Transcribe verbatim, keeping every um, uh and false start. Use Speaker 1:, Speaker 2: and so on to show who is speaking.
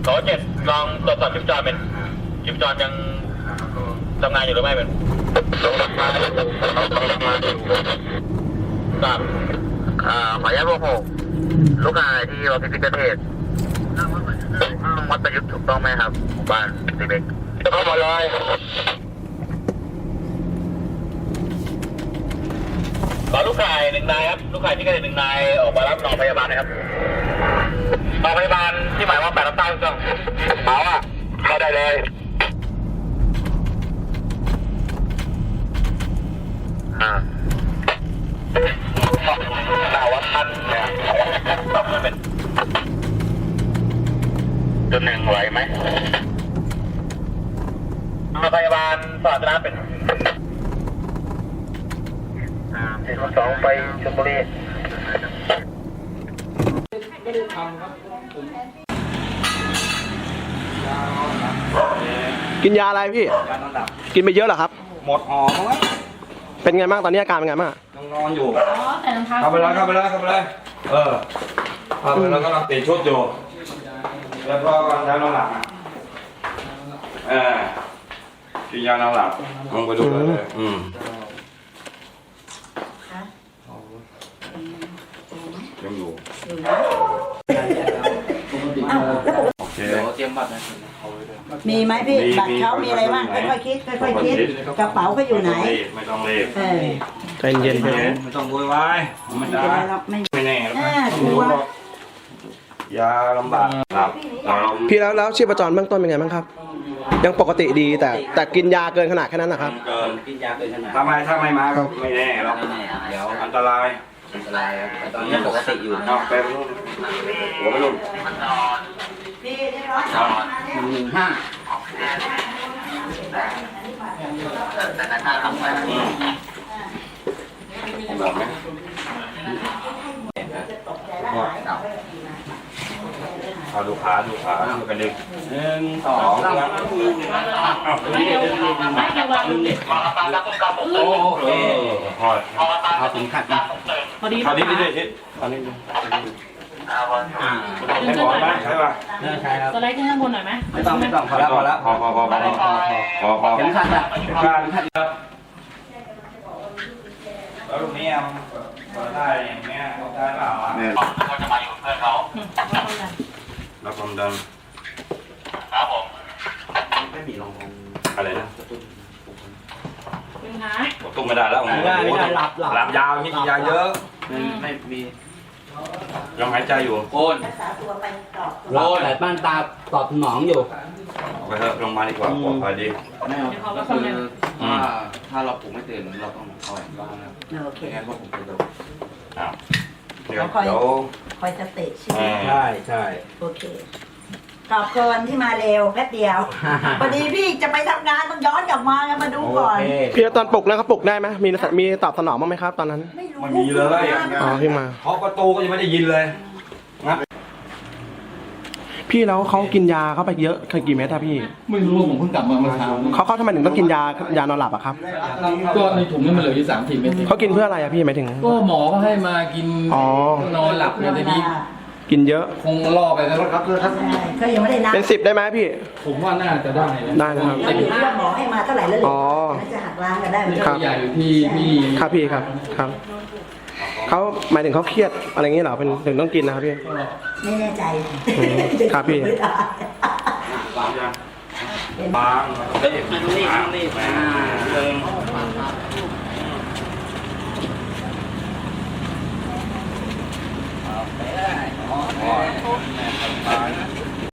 Speaker 1: ขอเจ็ดลองตรวจสอบชิปจรเป็นชิปจรยังทำงานอยู่หรือไม่เป็นลงทำงานลงทำงานอยู่ครับอ่าขออนุญาตพวกหกลูกชายที่ออฟฟิศพิเศษวัดประยุทธ์ถูกต้องไหมครับหมู่บ้านเด็กๆเข้ามาเลยขอลูกชายหนึ่งนายครับลูกชายที่เกิดหนึ่งนายออกมารับนองพยาบาลนะครับนองพยาบาลที่หมายว่าแปดรับใต้เครื่องเอาอ่ะเข้าได้เลยอ่าดาวัดท่านเนี่ยตอบเป็นตัวหนึ่งไหวไหมพยาบาลสาธารณะเป็นสี่สองไปชลบุรี
Speaker 2: กินยาอะไรพี่กินไปเยอะเหรอครับ
Speaker 3: หมดหอมั้งวะ
Speaker 2: เป็นไงบ้างตอนนี้อาการเป็นไงบ้าง
Speaker 3: ยังนอนอยู่เข้าไปเลยเข้าไปเลยเข้าไปเลยเออเข้าไปแล้วก็ต้องเปลี่ยนชุดอยู่แล้วก็กำลังใช้นอนหลับเออกินยานอนหลับลงไปดูเลยอืมยังอยู่โอเคเตรียมบัตรนะ
Speaker 4: มีไหมพี่บัตรเขามีอะไรบ้างค่อยๆคิดค่อยๆคิดกระเป๋าเขาอยู่ไหน
Speaker 3: ไม่ต้องรีบ
Speaker 2: ใจเย็น
Speaker 3: ไม่ต้องโวยวายไม่ได้ไม่แน่ยาลำบากครับ
Speaker 2: พี่แล้วแล้วชีพจรเบื้องต้นเป็นไงบ้างครับยังปกติดีแต่แต่กินยาเกินขนาดแค่นั้นนะครับ
Speaker 3: เกินกินยาเกินขนาดถ้าไม่ถ้าไม่มาก็ไม่แน่หรอกเดี๋ยวอันตรายอันตรายครับตอนนี้ปกติอยู่เอาไปรุ่นหัวไปรุ่นหนึ่งห้าแบบไหมเอาดูขาดูขาดูกันดึงหนึ่งสองสามโอเคพอพอถึงขัดนะพอดีพอดีดิดิพอดีอ่าให้หมอไหมใช่ป่ะใช่ครับ
Speaker 5: สไลด์ขึ้นข้างบนหน่อยไหม
Speaker 3: ไม่ต้องไม่ต้องพอแล้วพอแล้วพอพอพอพอพอพอเข็มขัดอ่ะเข็มขัดขัดแล้วตรงนี้มันได้อย่างเงี้ยได้เปล่าอ่ะเขาจะมาอยู่เพื่อนเขาแล้วความดันครับผมไม่มีรองอะไรนะ
Speaker 5: เป็นไง
Speaker 3: ตุ้มไม่ได้แล้วไม่ได้ไม่ได้หลับหลับยาวนี่ยาเยอะไม่มียังหายใจอยู่โอน
Speaker 6: โอนแต่บ้านตาตอบสนองอยู่
Speaker 3: ไปเถอะลงมาดีกว่าปลอดภัยดี
Speaker 6: ไม่เอาคือถ้าถ้าเราปลุกไม่ตื่นเราต้องคอยบ้างนะโอเคงั้นพวกผมจะดู
Speaker 3: อ้าวเดี๋ยว
Speaker 4: คอยสเตจใช่ไหม
Speaker 6: ใช่ใช่
Speaker 4: โอเคขอบคุณที่มาเร็วแป๊บเดียวพอดีพี่จะไปทำงานต้องย้อนกลับมามาดูก่อน
Speaker 2: พี่ตอนปลุกนะครับปลุกได้ไหมมีมีตอบสนองบ้างไหมครับตอนนั้น
Speaker 3: ไม่มีเลย
Speaker 2: อ๋อพี่มา
Speaker 3: เคาะประตูก็ยังไม่ได้ยินเลยงับ
Speaker 2: พี่แล้วเขากินยาเข้าไปเยอะกี่เม็ดอะพี่
Speaker 7: ไม่รู้ผมเพิ่งกลับมาเมื่อเช้า
Speaker 2: เขาเขาทำไมถึงต้องกินยายานอนหลับอะครับ
Speaker 7: ก็ในถุงนี่มันเหลืออยู่สามสี่เม็ด
Speaker 2: เขากินเพื่ออะไรอะพี่หมายถึง
Speaker 7: ก็หมอก็ให้มากินนอนหลับในนี้
Speaker 2: กินเยอะ
Speaker 7: คงล่อไปแล้วครับ
Speaker 4: เขายังไม่ได้นับ
Speaker 2: เป็นสิบได้ไหมพี่
Speaker 7: ผมว่าน่าจะได้
Speaker 2: ได้นะครับ
Speaker 4: อยู่ที่ว่าหมอให้มาเท่าไหร่แล้วเลยจะหักล้างกันได้ไหม
Speaker 7: ครับใหญ่อยู่ที่ที่
Speaker 2: ครับพี่ครับครับเขาหมายถึงเขาเครียดอะไรเงี้ยเหรอเป็นถึงต้องกินนะครับพี่
Speaker 4: ไม่แน่ใจ
Speaker 2: ครับพี่
Speaker 3: บางบางรีบรีบรีบ